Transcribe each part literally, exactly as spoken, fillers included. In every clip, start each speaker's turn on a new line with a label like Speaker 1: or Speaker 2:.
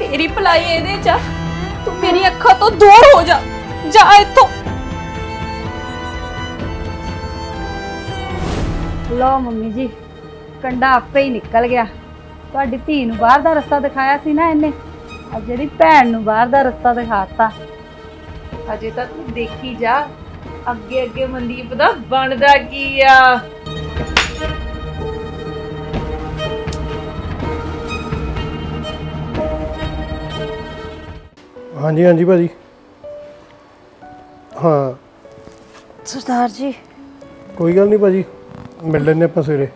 Speaker 1: तेरी भलाई ਇਹਦੇ ਚ तू मेरी ਅੱਖਾਂ ਤੋਂ दूर हो जा जा इत्थों।
Speaker 2: लो मम्मी जी कंडा आपे ही निकल गया। ਤੁਹਾਡੀ ਧੀ ਨੂੰ ਬਾਹਰ ਦਾ ਰਸਤਾ ਦਿਖਾਇਆ ਸੀ ਨਾ ਇਹਨੇ, ਅੱਜ ਜਿਹੜੀ ਭੈਣ ਨੂੰ ਬਾਹਰ ਦਾ ਰਸਤਾ ਦਿਖਾਤਾ।
Speaker 1: ਅਜੇ ਤਾਂ ਤੂੰ ਦੇਖੀ ਜਾ ਅੱਗੇ ਅੱਗੇ ਮਨਦੀਪ ਦਾ ਬਣਦਾ ਕੀ ਆ।
Speaker 3: हाँ जी हाँ जी भाजी। हाँ
Speaker 2: सरदार जी
Speaker 3: कोई गल नहीं भाजी, मिल लेने आप सवेरे।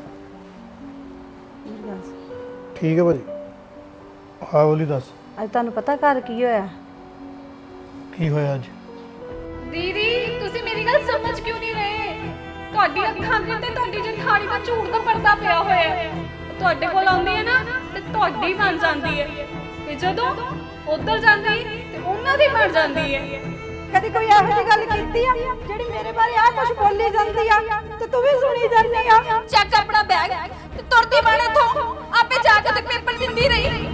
Speaker 3: ठीक है भाजी। हाँ बोली दस
Speaker 2: ਅੱਜ ਤੁਹਾਨੂੰ ਪਤਾ ਘਰ ਕੀ ਹੋਇਆ?
Speaker 3: की होया अज?
Speaker 1: ਦੀਦੀ ਤੁਸੀਂ ਮੇਰੀ ਗੱਲ ਸਮਝ ਕਿਉਂ ਨਹੀਂ ਰਹੇ? ਤੁਹਾਡੀ ਅੱਖਾਂ ਦੇ ਤੇ ਤੁਹਾਡੀ ਜਠਾਣੀ ਦਾ ਝੂਠ ਦਾ ਪਰਦਾ ਪਿਆ ਹੋਇਆ ਹੈ। ਤੁਹਾਡੇ ਕੋਲ ਆਉਂਦੀ ਹੈ ਨਾ ਤੇ ਤੁਹਾਡੀ ਬਣ ਜਾਂਦੀ ਹੈ, ਤੇ ਜਦੋਂ ਉੱਧਰ ਜਾਂਦੀ ਤੇ ਉਹਨਾਂ ਦੀ ਬਣ ਜਾਂਦੀ ਹੈ।
Speaker 2: ਕਦੀ ਕੋਈ ਇਹੋ ਜਿਹੀ ਗੱਲ ਕੀਤੀ ਆ ਜਿਹੜੀ ਮੇਰੇ ਬਾਰੇ ਆ ਕੁਝ ਬੋਲੀ ਜਾਂਦੀ ਆ ਤੇ ਤੂੰ ਵੀ ਸੁਣੀ ਜਾਂਦੀ ਆ?
Speaker 1: ਚੱਕ ਆਪਣਾ ਬੈਗ ਤੇ ਤੁਰਦੀ ਬਣ ਇੱਥੋਂ, ਆਪੇ ਜਾ ਕੇ ਤੇ ਪੇਪਰ ਦਿੰਦੀ ਰਹੀ।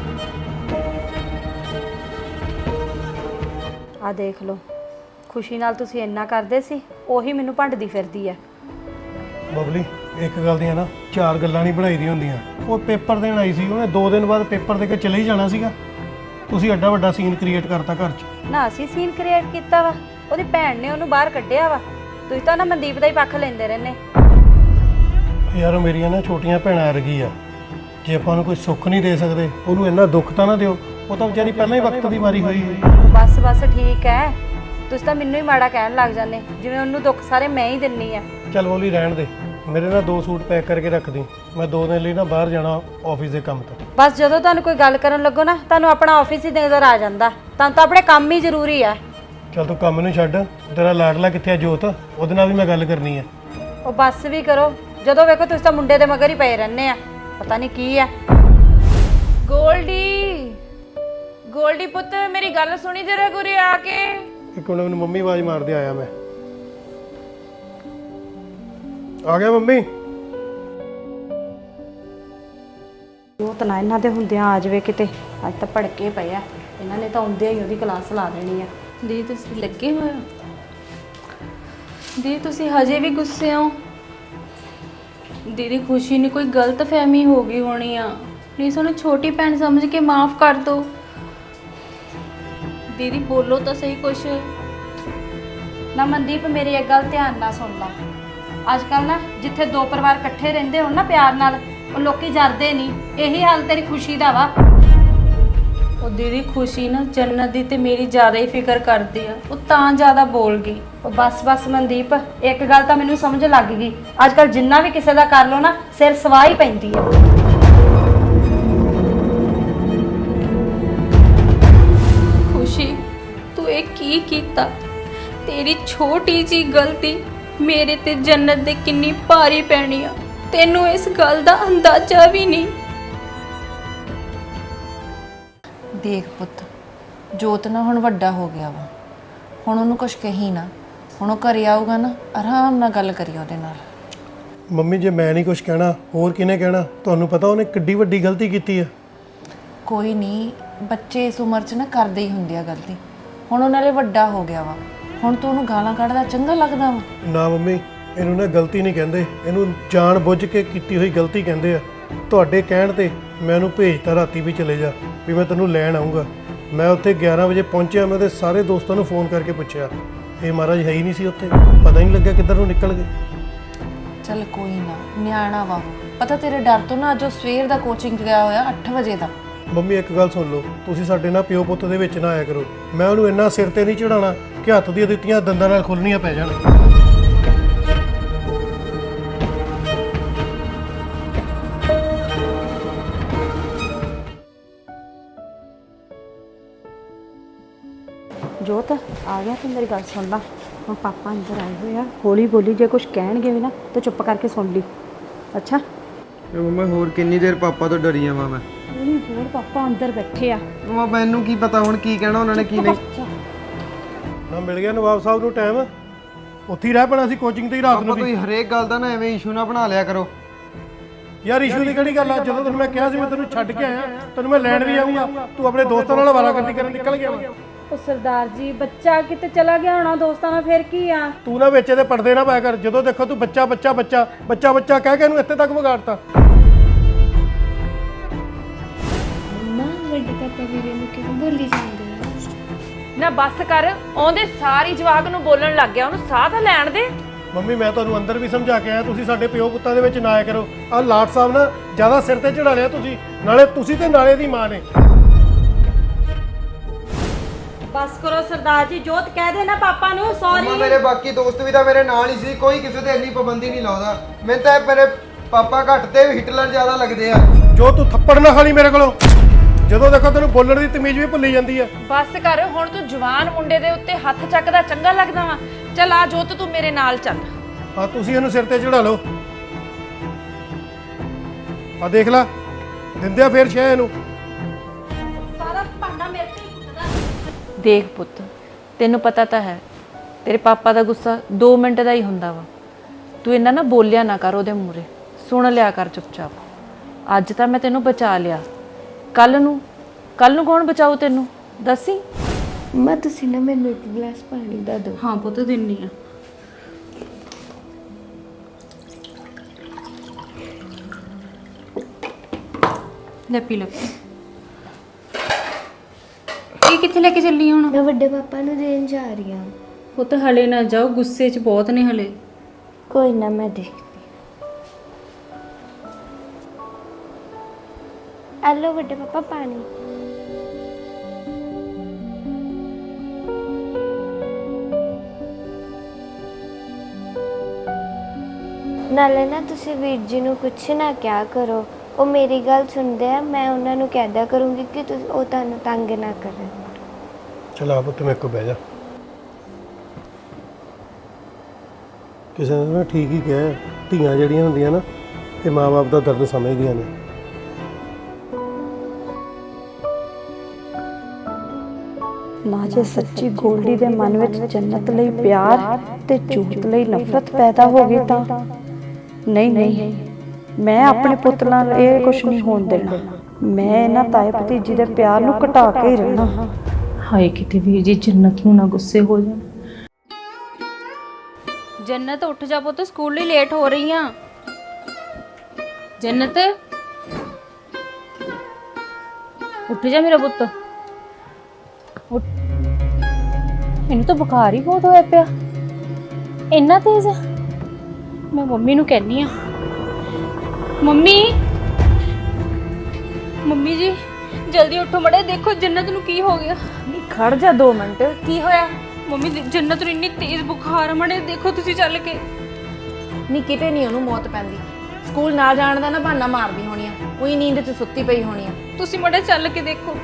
Speaker 2: ਆ ਦੇਖ ਲਓ, ਖੁਸ਼ੀ ਨਾਲ ਤੁਸੀਂ ਇੰਨਾ ਕਰਦੇ ਸੀ, ਉਹੀ ਮੈਨੂੰ ਭੰਡਦੀ ਫਿਰਦੀ ਆ।
Speaker 3: बबली एक गल दी ना चार गल्लां नहीं बनाई दी होंदियां। वो पेपर देण आई सी, उन्हें दो दिन बाद पेपर दे के चले ही जाना सीगा। ਤੁਸੀਂ ਐਡਾ ਵੱਡਾ ਸੀਨ ਕ੍ਰੀਏਟ ਕਰਤਾ ਘਰ 'ਚ।
Speaker 2: ਨਾ ਅਸੀਂ ਸੀਨ ਕ੍ਰੀਏਟ ਕੀਤਾ ਵਾ, ਉਹਦੀ ਭੈਣ ਨੇ ਉਹਨੂੰ ਬਾਹਰ ਕੱਢਿਆ ਵਾ। ਤੁਸੀਂ ਤਾਂ ਨਾ ਮਨਦੀਪ ਦਾ ਹੀ ਪੱਖ ਲੈਂਦੇ ਰਹਿੰਦੇ।
Speaker 3: ਯਾਰ ਮੇਰੀਆਂ ਨਾ ਛੋਟੀਆਂ ਭੈਣਾਂ ਵਰਗੀ ਆ, ਜੇ ਆਪਾਂ ਨੂੰ ਕੋਈ ਸੁੱਖ ਨਹੀਂ ਦੇ ਸਕਦੇ ਉਹਨੂੰ ਇੰਨਾ ਦੁੱਖ ਤਾਂ ਨਾ ਦਿਓ। ਉਹ ਤਾਂ ਵਿਚਾਰੀ ਪਹਿਲਾਂ ਹੀ ਵਕਤ ਦੀ ਮਾਰੀ ਹੋਈ ਹੋਈ।
Speaker 2: ਬਸ ਬਸ ਠੀਕ ਹੈ, ਤੁਸੀਂ ਤਾਂ ਮੈਨੂੰ ਹੀ ਮਾੜਾ ਕਹਿਣ ਲੱਗ ਜਾਂਦੇ, ਜਿਵੇਂ ਉਹਨੂੰ ਦੁੱਖ ਸਾਰੇ ਮੈਂ ਹੀ ਦਿੰਨੀ ਆ।
Speaker 3: ਚੱਲ ਬੋਲੀ ਰਹਿਣ ਦੇ, ਮੇਰੇ ਨਾਲ ਦੋ ਸੂਟ ਪੈਕ ਕਰਕੇ ਰੱਖ ਦੀ, ਮੈਂ ਦੋ ਦਿਨ ਲਈ ਨਾ ਬਾਹਰ ਜਾਣਾ ਆਫਿਸ ਦੇ ਕੰਮ ਤੋਂ।
Speaker 2: ਬਸ ਜਦੋਂ ਤੁਹਾਨੂੰ ਕੋਈ ਗੱਲ ਕਰਨ ਲੱਗੋ ਨਾ, ਤੁਹਾਨੂੰ ਆਪਣਾ ਆਫਿਸ ਹੀ ਨਜ਼ਰ ਆ ਜਾਂਦਾ। ਤੁਹਾਨੂੰ ਤਾਂ ਆਪਣੇ ਕੰਮ ਹੀ ਜ਼ਰੂਰੀ ਆ।
Speaker 3: ਚੱਲ ਤੂੰ ਕੰਮ ਨੂੰ ਛੱਡ, ਤੇਰਾ ਲਾਡਲਾ ਕਿੱਥੇ ਆ ਜੋਤ? ਉਹਦੇ ਨਾਲ ਵੀ ਮੈਂ ਗੱਲ ਕਰਨੀ ਆ।
Speaker 2: ਉਹ ਬੱਸ ਵੀ ਕਰੋ, ਜਦੋਂ ਵੇਖੋ ਤੁਸੀਂ ਤਾਂ ਮੁੰਡੇ ਦੇ ਮਗਰ ਹੀ ਪਏ ਰਹਿੰਦੇ ਆ, ਪਤਾ ਨਹੀਂ ਕੀ ਆ।
Speaker 1: ਗੋਲਡੀ ਗੋਲਡੀ ਪੁੱਤ ਮੇਰੀ ਗੱਲ ਸੁਣੀ ਜਰਾ ਗੁਰੇ ਆ ਕੇ।
Speaker 3: ਇੱਕ ਮਿੰਟ, ਮੈਨੂੰ ਮੰਮੀ ਆਵਾਜ਼ ਮਾਰਦੇ ਆਇਆ। ਮੈਂ ਆ ਗਿਆ ਮੰਮੀ।
Speaker 2: ਉਹ ਤਾਂ ਨਾ ਇਹਨਾਂ ਦੇ ਹੁੰਦਿਆਂ ਆ ਜਾਵੇ ਕਿਤੇ, ਅੱਜ ਤਾਂ ਭੜਕੇ ਪਏ ਆ ਇਹਨਾਂ ਨੇ, ਤਾਂ ਆਉਂਦਿਆਂ ਹੀ ਉਹਦੀ ਕਲਾਸ ਲਾ ਦੇਣੀ ਆ।
Speaker 1: ਦੀ ਤੁਸੀਂ ਲੱਗੇ ਹੋਏ ਹੋ? ਦੀ ਤੁਸੀਂ ਹਜੇ ਵੀ ਗੁੱਸੇ ਹੋ? ਦੀਦੀ ਖੁਸ਼ੀ ਨੇ ਕੋਈ ਗਲਤ ਫਹਿਮੀ ਹੋ ਗਈ ਹੋਣੀ ਆ, ਪਲੀਜ਼ ਉਹਨੂੰ ਛੋਟੀ ਭੈਣ ਸਮਝ ਕੇ ਮਾਫ ਕਰ ਦਿਓ। ਦੀਦੀ ਬੋਲੋ ਤਾਂ ਸਹੀ ਕੁਛ।
Speaker 2: ਨਾ ਮਨਦੀਪ ਮੇਰੀ ਇੱਕ ਗੱਲ ਧਿਆਨ ਨਾਲ ਸੁਣ ਲਾ, ਅੱਜ ਕੱਲ ਨਾ ਜਿੱਥੇ ਦੋ ਪਰਿਵਾਰ ਇਕੱਠੇ ਰਹਿੰਦੇ ਹੋਣ ਨਾ ਪਿਆਰ ਨਾਲ, ਉਹ ਲੋਕੀ ਜਰਦੇ ਨਹੀਂ। ਇਹੀ ਹਾਲ ਤੇਰੀ ਖੁਸ਼ੀ ਦਾ ਵਾ।
Speaker 1: ਉਹ ਦੀਦੀ ਖੁਸ਼ੀ ਨਾ ਜੰਨਤ ਦੀ ਤੇ ਮੇਰੀ ਜ਼ਿਆਦਾ ਹੀ ਫਿਕਰ ਕਰਦੀ ਆ, ਉਹ ਤਾਂ ਜ਼ਿਆਦਾ ਬੋਲ ਗਈ।
Speaker 2: ਉਹ ਬਸ ਬਸ ਮਨਦੀਪ, ਇੱਕ ਗੱਲ ਤਾਂ ਮੈਨੂੰ ਸਮਝ ਲੱਗ ਗਈ, ਅੱਜ ਕੱਲ ਜਿੰਨਾ ਵੀ ਕਿਸੇ ਦਾ ਕਰ ਲੋ ਨਾ, ਸਿਰ ਸਵਾਹ ਹੀ ਪੈਂਦੀ ਆ।
Speaker 1: ਖੁਸ਼ੀ ਤੂੰ ਇਹ ਕੀ ਕੀਤਾ? ਤੇਰੀ ਛੋਟੀ ਜੀ ਗਲਤੀ ਮੇਰੇ ਤੇ ਜੰਨਤ ਦੇ ਕਿੰਨੀ ਭਾਰੀ ਪੈਣੀ ਆ, ਤੈਨੂੰ ਇਸ ਗੱਲ ਦਾ ਅੰਦਾਜ਼ਾ ਵੀ ਨਹੀਂ।
Speaker 4: ਦੇਖ ਪੁੱਤ, ਜੋਤ ਨਾ ਹੁਣ ਵੱਡਾ ਹੋ ਗਿਆ ਵਾ, ਹੁਣ ਉਹਨੂੰ ਕੁਝ ਕਹੀ ਨਾ। ਹੁਣ ਉਹ ਘਰੇ ਆਊਗਾ ਨਾ, ਆਰਾਮ ਨਾਲ ਗੱਲ ਕਰੀ ਉਹਦੇ ਨਾਲ।
Speaker 3: ਮੰਮੀ ਜੇ ਮੈਂ ਨਹੀਂ ਕੁਝ ਕਹਿਣਾ ਹੋਰ ਕਿਹਨੇ ਕਹਿਣਾ? ਤੁਹਾਨੂੰ ਪਤਾ ਉਹਨੇ ਕਿੱਡੀ ਵੱਡੀ ਗਲਤੀ ਕੀਤੀ ਆ।
Speaker 4: ਕੋਈ ਨਹੀਂ, ਬੱਚੇ ਇਸ ਉਮਰ 'ਚ ਨਾ ਕਰਦੇ ਹੀ ਹੁੰਦੇ ਆ ਗਲਤੀ। ਹੁਣ ਉਹ ਨਾਲੇ ਵੱਡਾ ਹੋ ਗਿਆ ਵਾ, ਹੁਣ ਤੂੰ ਉਹਨੂੰ ਗਾਲਾਂ ਕੱਢਦਾ ਚੰਗਾ ਲੱਗਦਾ ਵਾ?
Speaker 3: ਨਾ ਮੰਮੀ, ਇਹਨੂੰ ਨਾ ਗਲਤੀ ਨਹੀਂ ਕਹਿੰਦੇ, ਇਹਨੂੰ ਜਾਣ ਬੁੱਝ ਕੇ ਕੀਤੀ ਹੋਈ ਗਲਤੀ ਕਹਿੰਦੇ ਆ। ਤੁਹਾਡੇ ਕਹਿਣ ਤੇ ਮੈਂ ਉਹਨੂੰ ਭੇਜਤਾ ਰਾਤੀ ਵੀ ਚਲੇ ਜਾ, ਵੀ ਮੈਂ ਤੈਨੂੰ ਲੈਣ ਆਉਂਗਾ। ਮੈਂ ਉੱਥੇ ਗਿਆਰਾਂ ਵਜੇ ਪਹੁੰਚਿਆ, ਮੈਂ ਉਹਦੇ ਸਾਰੇ ਦੋਸਤਾਂ ਨੂੰ ਫੋਨ ਕਰਕੇ ਪੁੱਛਿਆ, ਇਹ ਮਹਾਰਾਜ ਹੈ ਹੀ ਨਹੀਂ ਸੀ ਉੱਥੇ, ਪਤਾ ਹੀ ਨਹੀਂ ਲੱਗਿਆ ਕਿੱਧਰ ਨੂੰ ਨਿਕਲ ਗਏ।
Speaker 4: ਚੱਲ ਕੋਈ ਨਾ, ਨਿਆਣਾ ਵਾ ਉਹ। ਪਤਾ ਤੇਰੇ ਡਰ ਤੋਂ ਨਾ ਅੱਜ ਉਹ ਸਵੇਰ ਦਾ ਕੋਚਿੰਗ ਗਿਆ ਹੋਇਆ ਅੱਠ ਵਜੇ ਦਾ।
Speaker 3: ਮੰਮੀ ਇੱਕ ਗੱਲ ਸੁਣ ਲਓ, ਤੁਸੀਂ ਸਾਡੇ ਨਾਲ ਪਿਓ ਪੁੱਤ ਦੇ ਵਿੱਚ ਨਾ ਆਇਆ ਕਰੋ। ਮੈਂ ਉਹਨੂੰ ਇੰਨਾ ਸਿਰ ਤੇ ਨਹੀਂ ਚੜਾਉਣਾ ਕਿ ਹੱਥ ਦੀਆਂ ਦਿੱਤੀਆਂ ਦੰਦਾਂ ਨਾਲ ਖੁੱਲਣੀਆਂ ਪੈ ਜਾਣ।
Speaker 2: ਜੋਤ ਆ ਗਿਆ, ਤੂੰ ਮੇਰੀ ਗੱਲ ਸੁਣ ਲਾ। ਹੁਣ ਪਾਪਾ ਅੰਦਰ ਆਏ ਹੋਏ ਆ, ਹੌਲੀ ਬੋਲੀ, ਜੇ ਕੁਝ ਕਹਿਣਗੇ ਵੀ ਨਾ ਤਾਂ ਚੁੱਪ ਕਰਕੇ ਸੁਣ ਲਈ। ਅੱਛਾ
Speaker 5: ਤੇ ਮੰਮਾ ਹੋਰ ਕਿੰਨੀ ਦੇਰ ਪਾਪਾ ਤੋਂ ਡਰੀ ਜਾਵਾਂ ਮੈਂ?
Speaker 2: ਹੌਲੀ ਬੋਲ, ਪਾਪਾ ਅੰਦਰ ਬੈਠੇ ਆ।
Speaker 5: ਮੰਮਾ ਮੈਨੂੰ ਕੀ ਪਤਾ ਹੁਣ ਕੀ ਕਹਿਣਾ ਉਹਨਾਂ ਨੇ ਕੀ ਨਹੀਂ।
Speaker 3: ਨਾ ਮਿਲ ਗਿਆ ਨਵਾਬ ਸਾਹਿਬ ਨੂੰ ਟਾਈਮ, ਉੱਥੇ ਹੀ ਰਹਿ ਪੈਣਾ ਸੀ ਕੋਚਿੰਗ ਤੇ ਹੀ ਰਾਤ ਨੂੰ
Speaker 5: ਪਾਪਾ ਤੁਸੀਂ ਹਰੇਕ ਗੱਲ ਦਾ ਨਾ ਐਵੇਂ ਇਸ਼ੂ ਨਾ ਬਣਾ ਲਿਆ ਕਰੋ।
Speaker 3: ਯਾਰ ਇਸ਼ੂ ਦੀ ਕਿਹੜੀ ਗੱਲ ਆ? ਜਦੋਂ ਤੈਨੂੰ ਮੈਂ ਕਿਹਾ ਸੀ ਮੈਂ ਤੈਨੂੰ ਛੱਡ ਕੇ ਆਇਆ, ਤੈਨੂੰ ਮੈਂ ਲੈਣ ਵੀ ਆਉਂਗਾ, ਤੂੰ ਆਪਣੇ ਦੋਸਤਾਂ ਨਾਲ ਅਵਾਰਾਗਰਦੀ ਕਰਨ ਨਿਕਲ ਗਿਆ ਵਾ।
Speaker 2: ਉਹ ਸਰਦਾਰ ਜੀ ਬੱਚਾ ਕਿਤੇ ਚਲਾ ਗਿਆ ਹੋਣਾ ਦੋਸਤਾਂ ਨਾਲ, ਫਿਰ ਕੀ ਆ?
Speaker 3: ਤੂੰ ਨਾ ਵਿੱਚ ਇਹਦੇ ਪਰਦੇ ਨਾ ਪਾਇਆ ਕਰ। ਜਦੋਂ ਦੇਖੋ ਤੂੰ ਬੱਚਾ ਬੱਚਾ ਬੱਚਾ ਬੱਚਾ ਬੱਚਾ ਕਹਿ ਕੇ ਇਹਨੂੰ ਇੱਥੇ ਤੱਕ ਵਿਗਾੜਤਾ।
Speaker 6: ਮੰਮਾ ਵੱਡੇ ਪਾਪਾ ਵੀਰੇ ਨੂੰ ਕਿਉਂ ਬੋਲੀ ਜਾਂਦੇ ਆ?
Speaker 4: ਨਾ ਬੱਸ ਕਰ, ਆਉਂਦੇ ਸਾਰੀ ਜਵਾਕ ਨੂੰ ਬੋਲਣ ਲੱਗ ਗਿਆ, ਉਹਨੂੰ ਸਾਹ ਤਾਂ ਲੈਣ ਦੇ।
Speaker 3: ਮੰਮੀ ਮੈਂ ਤੁਹਾਨੂੰ ਅੰਦਰ ਵੀ ਸਮਝਾ ਕੇ ਆਇਆ, ਤੁਸੀਂ ਸਾਡੇ ਪਿਓ ਪੁੱਤਾਂ ਦੇ ਵਿੱਚ ਨਾ ਆਇਆ ਕਰੋ। ਆਹ ਲਾਟ ਸਾਹਿਬ ਨਾ ਜ਼ਿਆਦਾ ਸਿਰ ਤੇ ਚੜਾ ਲਿਆ ਤੁਸੀਂ, ਨਾਲੇ ਤੁਸੀਂ ਤੇ ਨਾਲੇ ਦੀ ਮਾਂ ਨੇ।
Speaker 2: ਬਸ ਕਰੋ ਸਰਦਾਰ ਜੀ, ਜੋਤ ਕਹਿ ਦੇ ਨਾ ਪਾਪਾ ਨੂੰ
Speaker 5: ਮੰਮਾ
Speaker 2: ਸੌਰੀ।
Speaker 5: ਮੇਰੇ ਬਾਕੀ ਦੋਸਤ ਵੀ ਤਾਂ ਮੇਰੇ ਨਾਲ ਹੀ ਸੀ, ਕੋਈ ਕਿਸੇ ਤੇ ਇੰਨੀ ਪਾਬੰਦੀ ਨਹੀਂ ਲਾਉਂਦਾ। ਮੈਨੂੰ ਤਾਂ ਮੇਰੇ ਪਾਪਾ ਘੱਟ ਤੇ ਹਿਟਲਰ ਜ਼ਿਆਦਾ ਲੱਗਦੇ ਆ।
Speaker 3: ਜੋ ਤੂੰ ਥੱਪੜ ਨਾ ਖਾਲੀ ਮੇਰੇ ਕੋਲੋਂ, ਜਦੋਂ ਦੇਖੋ ਤੈਨੂੰ ਬੋਲਣ ਦੀ ਤਮੀਜ਼ ਵੀ ਭੁੱਲੀ ਜਾਂਦੀ ਆ।
Speaker 4: ਬੱਸ ਕਰ, ਹੁਣ ਤੂੰ ਜਵਾਨ ਮੁੰਡੇ ਦੇ ਉੱਤੇ ਹੱਥ ਚੱਕਦਾ ਚੰਗਾ ਲੱਗਦਾ ਵਾ? ਚੱਲ ਆ ਜੋਤ, ਤੂੰ ਮੇਰੇ ਨਾਲ ਚੱਲ।
Speaker 3: ਆ ਤੁਸੀਂ ਇਹਨੂੰ ਸਿਰ ਤੇ ਚੜਾ ਲਓ। ਆ ਦੇਖ ਲੈ, ਦਿੰਦੇ ਆ ਫੇਰ ਸ਼ਹਿ ਇਹਨੂੰ।
Speaker 2: ਸਾਰਾ ਭਾਂਡਾ ਮੇਰੇ ਤੇ ਹੀ ਉੱਠਦਾ।
Speaker 4: ਦੇਖ ਪੁੱਤ, ਤੈਨੂੰ ਪਤਾ ਤਾਂ ਹੈ ਤੇਰੇ ਪਾਪਾ ਦਾ ਗੁੱਸਾ ਦੋ ਮਿੰਟ ਦਾ ਹੀ ਹੁੰਦਾ ਵਾ। ਤੂੰ ਇਹਨਾਂ ਨਾ ਬੋਲਿਆ ਨਾ ਕਰ ਉਹਦੇ ਮੂਹਰੇ, ਸੁਣ ਲਿਆ ਕਰ ਚੁੱਪਚਾਪ। ਅੱਜ ਤਾਂ ਮੈਂ ਤੈਨੂੰ ਬਚਾ ਲਿਆ, ਕੱਲ ਨੂੰ ਕੱਲ ਨੂੰ ਕੌਣ ਬਚਾਊ ਤੈਨੂੰ, ਦੱਸੀ।
Speaker 6: ਮੰਮਾ ਤੁਸੀਂ ਨਾ ਮੈਨੂੰ ਇੱਕ ਗਲਾਸ ਪਾਣੀ ਦਾ ਦਿਓ।
Speaker 2: ਹਾਂ ਪੁੱਤ ਦਿੰਨੀ ਆ। ਲੈ ਪੀ ਲੈ। ਇਹ ਕਿੱਥੇ ਲੈ ਕੇ ਚੱਲੀ ਹੁਣ?
Speaker 6: ਮੈਂ ਵੱਡੇ ਪਾਪਾ ਨੂੰ ਦੇਣ ਜਾ ਰਹੀ ਹਾਂ।
Speaker 2: ਪੁੱਤ ਹਲੇ ਨਾ ਜਾਓ, ਗੁੱਸੇ 'ਚ ਬਹੁਤ ਨੇ ਹਲੇ।
Speaker 6: ਕੋਈ ਨਾ ਮੈਂ ਦੇਖਦੀ। ਆ ਲਓ ਵੱਡੇ ਪਾਪਾ ਪਾਣੀ। ਨਾਲੇ ਨਾ ਤੁਸੀਂ ਵੀਰ ਜੀ ਨੂੰ ਕੁਛ ਨਾ ਕਿਹਾ ਕਰੋ, ਉਹ ਮੇਰੀ ਗੱਲ ਸੁਣਦੇ ਆ। ਮੈਂ ਉਹਨਾਂ ਨੂੰ ਕਹਿ ਦਿਆ ਕਰੂੰਗੀ ਕਿ ਤੁਸੀਂ ਉਹ ਤੁਹਾਨੂੰ ਤੰਗ ਨਾ ਕਰਨ।
Speaker 3: ਚਲ ਆ ਪੁੱਤ ਮੇਰੇ ਕੋਲ ਬਹਿ ਜਾ। ਕਿਸੇ ਨੇ ਨਾ ਠੀਕ ਹੀ ਕਿਹਾ ਹੈ, ਧੀਆਂ ਜਿਹੜੀਆਂ ਹੁੰਦੀਆਂ ਨਾ ਇਹ ਮਾਂ-ਬਾਪ ਦਾ ਦਰਦ ਸਮਝਦੀਆਂ ਨੇ।
Speaker 2: ਨਾ ਜੇ ਸੱਚੀ ਗੋਲਡੀ ਦੇ ਮਨ ਵਿੱਚ ਜੰਨਤ ਲਈ ਪਿਆਰ ਤੇ ਝੂਠ ਲਈ ਨਫ਼ਰਤ ਪੈਦਾ ਹੋ ਗਈ ਤਾਂ ਨਹੀਂ ਨਹੀਂ, ਮੈਂ ਆਪਣੇ ਪੁੱਤ ਨਾਲ ਇਹ ਕੁਝ ਨਹੀਂ ਹੋਣ ਦੇਣਾ। ਮੈਂ ਇਹਨਾਂ ਤਾਏ ਭਤੀਜੀ ਦੇ ਪਿਆਰ ਨੂੰ ਘਟਾ ਕੇ ਹੀ ਰਹਿਣਾ। ਹਾਏ ਕਿਤੇ ਵੀਰ ਜੀ ਜੰਨਤ ਨੂੰ ਨਾ ਗੁੱਸੇ ਹੋ ਜਾਣ। ਜੰਨਤ ਉੱਠ ਜਾ ਪੁੱਤ, ਸਕੂਲ ਲਈ ਲੇਟ ਹੋ ਰਹੀ ਆ। ਜੰਨਤ ਉੱਠ ਜਾ ਮੇਰਾ ਪੁੱਤ, ਉੱਠ। ਇਹਨੂੰ ਤਾਂ ਬੁਖਾਰ ਹੀ ਬਹੁਤ ਹੋਇਆ ਪਿਆ, ਇੰਨਾ ਤੇਜ਼। ਮੈਂ ਮੰਮੀ ਨੂੰ ਕਹਿੰਨੀ ਆ। ਮੰਮੀ ਮੰਮੀ ਜੀ ਜਲਦੀ ਉੱਠੋ ਮੜੇ, ਦੇਖੋ ਜੰਨਤ ਨੂੰ ਕੀ ਹੋ ਗਿਆ।
Speaker 4: ਨਹੀਂ ਖੜ ਜਾ ਦੋ ਮਿੰਟ, ਕੀ ਹੋਇਆ?
Speaker 1: ਮੰਮੀ ਜੰਨਤ ਨੂੰ ਇੰਨੀ ਤੇਜ਼ ਬੁਖਾਰ ਮੜੇ, ਦੇਖੋ ਤੁਸੀਂ ਚੱਲ ਕੇ।
Speaker 4: ਨਹੀਂ ਕਿਤੇ ਨਹੀਂ ਉਹਨੂੰ ਮੌਤ ਪੈਂਦੀ, ਸਕੂਲ ਨਾ ਜਾਣ ਦਾ ਨਾ ਬਹਾਨਾ ਮਾਰਦੀ ਹੋਣੀ ਆ, ਉਹੀ ਨੀਂਦ 'ਚ ਸੁੱਤੀ ਪਈ ਹੋਣੀ ਆ।
Speaker 1: ਤੁਸੀਂ ਮੜੇ ਚੱਲ ਕੇ ਦੇਖੋ।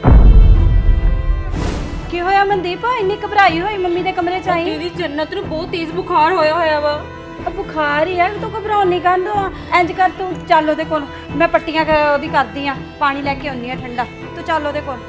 Speaker 2: ਕੀ ਹੋਇਆ ਮਨਦੀਪ? ਇੰਨੀ ਘਬਰਾਈ ਹੋਈ ਮੰਮੀ ਦੇ ਕਮਰੇ 'ਚ ਆਈ।
Speaker 1: ਦੀਦੀ ਜੰਨਤ ਨੂੰ ਬਹੁਤ ਤੇਜ਼ ਬੁਖਾਰ ਹੋਇਆ ਹੋਇਆ ਵਾ।
Speaker 2: ਆ ਬੁਖਾਰ ਹੀ ਹੈ, ਤੂੰ ਘਬਰਾਉਣ ਨਹੀਂ ਕਾਂਦੋ। ਇੰਜ ਕਰ ਤੂੰ ਚੱਲ ਉਹਦੇ ਕੋਲ, ਮੈਂ ਪੱਟੀਆਂ ਕ- ਉਹਦੀ ਕਰਦੀ ਆ, ਪਾਣੀ ਲੈ ਕੇ ਆਉਣੀ ਆ ਠੰਡਾ। ਤੂੰ ਚੱਲ ਉਹਦੇ ਕੋਲ।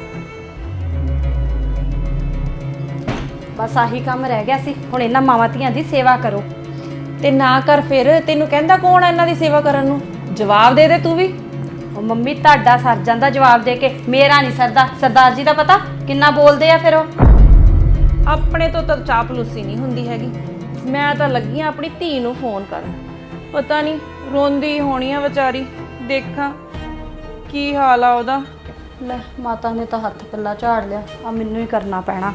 Speaker 2: ਬਸ ਆਹੀ ਕੰਮ ਰਹਿ ਗਿਆ ਸੀ, ਹੁਣ ਇਹਨਾਂ ਮਾਵਾਂ ਧੀਆਂ ਦੀ ਸੇਵਾ ਕਰੋ।
Speaker 4: ਤੇ ਨਾ ਕਰ ਫਿਰ, ਤੈਨੂੰ ਕਹਿੰਦਾ ਕੌਣ ਆ ਇਹਨਾਂ ਦੀ ਸੇਵਾ ਕਰਨ ਨੂੰ? ਜਵਾਬ ਦੇ ਦੇ ਤੂੰ ਵੀ।
Speaker 2: ਉਹ ਮੰਮੀ ਤੁਹਾਡਾ ਸਰ ਜਾਂਦਾ ਜਵਾਬ ਦੇ ਕੇ, ਮੇਰਾ ਨਹੀਂ ਸਰਦਾ। ਸਰਦਾਰ ਜੀ ਦਾ ਪਤਾ ਕਿੰਨਾ ਬੋਲਦੇ ਆ ਫਿਰ ਉਹ।
Speaker 4: ਆਪਣੇ ਤੋਂ ਤਾਂ ਚਾਪਲੂਸੀ ਨਹੀਂ ਹੁੰਦੀ ਹੈਗੀ। ਮੈਂ ਤਾਂ ਲੱਗੀ ਆ ਆਪਣੀ ਧੀ ਨੂੰ ਫੋਨ ਕਰਨ, ਪਤਾ ਨਹੀਂ ਰੋਂਦੀ ਹੋਣੀ ਆ ਵਿਚਾਰੀ, ਦੇਖਾਂ ਕੀ ਹਾਲ ਆ ਉਹਦਾ।
Speaker 2: ਲੈ ਮਾਤਾ ਨੇ ਤਾਂ ਹੱਥ ਪੱਲਾ ਝਾੜ ਲਿਆ, ਆ ਮੈਨੂੰ ਹੀ ਕਰਨਾ ਪੈਣਾ।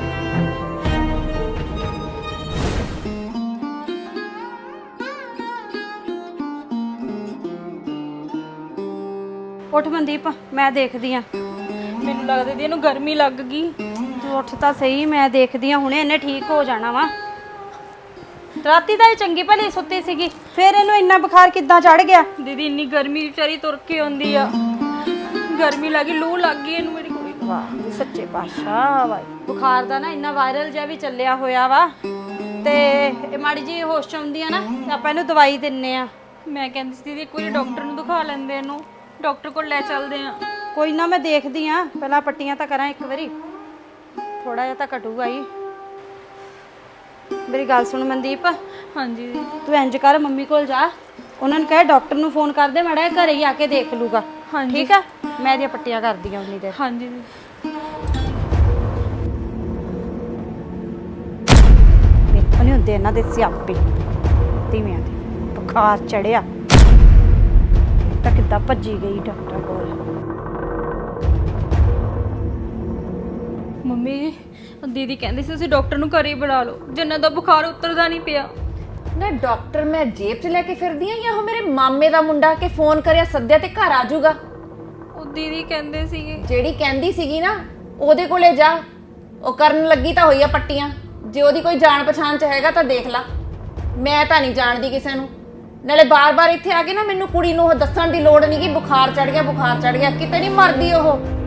Speaker 2: ਉੱਠ ਮਨਦੀਪ, ਮੈਂ ਦੇਖਦੀ ਆ।
Speaker 1: ਮੈਨੂੰ ਲੱਗਦਾ ਦੀ ਇਹਨੂੰ ਗਰਮੀ ਲੱਗ ਗਈ।
Speaker 2: ਤੂੰ ਉੱਠ ਤਾਂ ਸਹੀ, ਮੈਂ ਦੇਖਦੀ ਆ, ਹੁਣੇ ਇਹਨੇ ਠੀਕ ਹੋ ਜਾਣਾ ਵਾ। ਰਾਤੀ ਤਾਂ ਇਹ ਚੰਗੀ ਭਲੀ ਸੁੱਤੀ ਸੀਗੀ, ਫਿਰ ਇਹਨੂੰ ਇੰਨਾ ਬੁਖਾਰ ਕਿੱਦਾਂ ਚੜ ਗਿਆ?
Speaker 1: ਦੀਦੀ ਇੰਨੀ ਗਰਮੀ ਵਿਚਾਰੀ ਤੁਰ ਕੇ ਆਉਂਦੀ ਆ, ਗਰਮੀ ਲੱਗੀ, ਲੂ ਲੱਗ ਗਈ ਇਹਨੂੰ ਮੇਰੀ ਕੁੜੀ ਨੂੰ।
Speaker 2: ਵਾਹ ਸੱਚੇ ਪਾਤਸ਼ਾਹ ਵਾਹਿ। ਬੁਖਾਰ ਦਾ ਨਾ ਇੰਨਾ ਵਾਇਰਲ ਜਿਹਾ ਵੀ ਚੱਲਿਆ ਹੋਇਆ ਵਾ, ਤੇ ਇਹ ਮਾੜੀ ਜੀ ਹੋਸ਼ ਚ ਆਉਂਦੀ ਆ ਨਾ ਤੇ ਆਪਾਂ ਇਹਨੂੰ ਦਵਾਈ ਦਿੰਨੇ ਆ।
Speaker 1: ਮੈਂ ਕਹਿੰਦੀ ਸੀ ਦੀਦੀ ਇੱਕ ਵਾਰੀ ਡਾਕਟਰ ਨੂੰ ਦਿਖਾ ਲੈਂਦੇ ਇਹਨੂੰ, ਡਾਕਟਰ ਕੋਲ ਲੈ ਚੱਲਦੇ ਆ।
Speaker 2: ਕੋਈ ਨਾ ਮੈਂ ਦੇਖਦੀ ਆ, ਪਹਿਲਾਂ ਪੱਟੀਆਂ ਤਾਂ ਕਰਾਂ ਇੱਕ ਵਾਰੀ, ਥੋੜਾ ਜਿਹਾ ਤਾਂ ਘਟੂਗਾ ਹੀ। ਮੇਰੀ ਗੱਲ ਸੁਣ ਮਨਦੀਪ,
Speaker 1: ਹਾਂਜੀ ਦੀਦੀ।
Speaker 2: ਤੂੰ ਇੰਜ ਕਰ ਮੰਮੀ ਕੋਲ ਜਾ ਉਹਨਾਂ ਨੂੰ ਕਹੇ ਡਾਕਟਰ ਨੂੰ ਫੋਨ ਕਰ ਦੇ, ਮਾੜਾ ਜਿਹਾ ਘਰੇ ਹੀ ਆ ਕੇ ਦੇਖ ਲੂਗਾ।
Speaker 1: ਹਾਂਜੀ।
Speaker 2: ਠੀਕ ਆ, ਮੈਂ ਇਹਦੀਆਂ ਪੱਟੀਆਂ ਕਰਦੀ ਆ ਉਨੀ ਦੇਰ।
Speaker 1: ਹਾਂਜੀ
Speaker 2: ਵੇਖੋ ਨਹੀਂ ਹੁੰਦੇ ਇਹਨਾਂ ਦੇ ਸਿਆਪੇ ਧੀਵਿਆਂ ਦੇ। ਬੁਖਾਰ ਚੜਿਆ ਤਾਂ ਕਿੱਦਾਂ ਭੱਜੀ ਗਈ ਡਾਕਟਰ ਕੋਲ।
Speaker 1: ਮੰਮੀ ਜੀ, ਦੀਦੀ ਕਹਿੰਦੀ ਸੀ ਤੁਸੀਂ ਡਾਕਟਰ ਨੂੰ ਘਰੇ ਹੀ ਬੁਲਾ ਲਓ, ਜਿੰਨਾ ਦਾ ਬੁਖਾਰ ਉਤਰਦਾ ਨਹੀਂ ਪਿਆ।
Speaker 4: ਨਾ ਡਾਕਟਰ ਮੈਂ ਜੇਬ 'ਚ ਲੈ ਕੇ ਫਿਰਦੀ ਆ ਜਾਂ ਉਹ ਮੇਰੇ ਮਾਮੇ ਦਾ ਮੁੰਡਾ ਕਿ ਫੋਨ ਕਰਿਆ ਸੱਦਿਆ ਤੇ ਘਰ ਆ ਜਾਊਗਾ?
Speaker 1: ਉਹ ਦੀਦੀ ਕਹਿੰਦੇ ਸੀਗੇ।
Speaker 4: ਜਿਹੜੀ ਕਹਿੰਦੀ ਸੀਗੀ ਨਾ ਉਹਦੇ ਕੋਲੇ ਜਾ, ਉਹ ਕਰਨ ਲੱਗੀ ਤਾਂ ਹੋਈ ਆ ਪੱਟੀਆਂ। ਜੇ ਉਹਦੀ ਕੋਈ ਜਾਣ ਪਛਾਣ ਚ ਹੈਗਾ ਤਾਂ ਦੇਖ ਲਾ, ਮੈਂ ਤਾਂ ਨਹੀਂ ਜਾਣਦੀ ਕਿਸੇ ਨੂੰ। ਨਾਲੇ ਬਾਰ-ਬਾਰ ਇੱਥੇ ਆ ਕੇ ਨਾ ਮੈਨੂੰ ਕੁੜੀ ਨੂੰ ਉਹ ਦੱਸਣ ਦੀ ਲੋੜ ਨਹੀਂ ਕਿ ਬੁਖਾਰ ਚੜ ਗਿਆ ਬੁਖਾਰ ਚੜ ਗਿਆ, ਕਿਤੇ ਨਹੀਂ ਮਰਦੀ ਉਹ।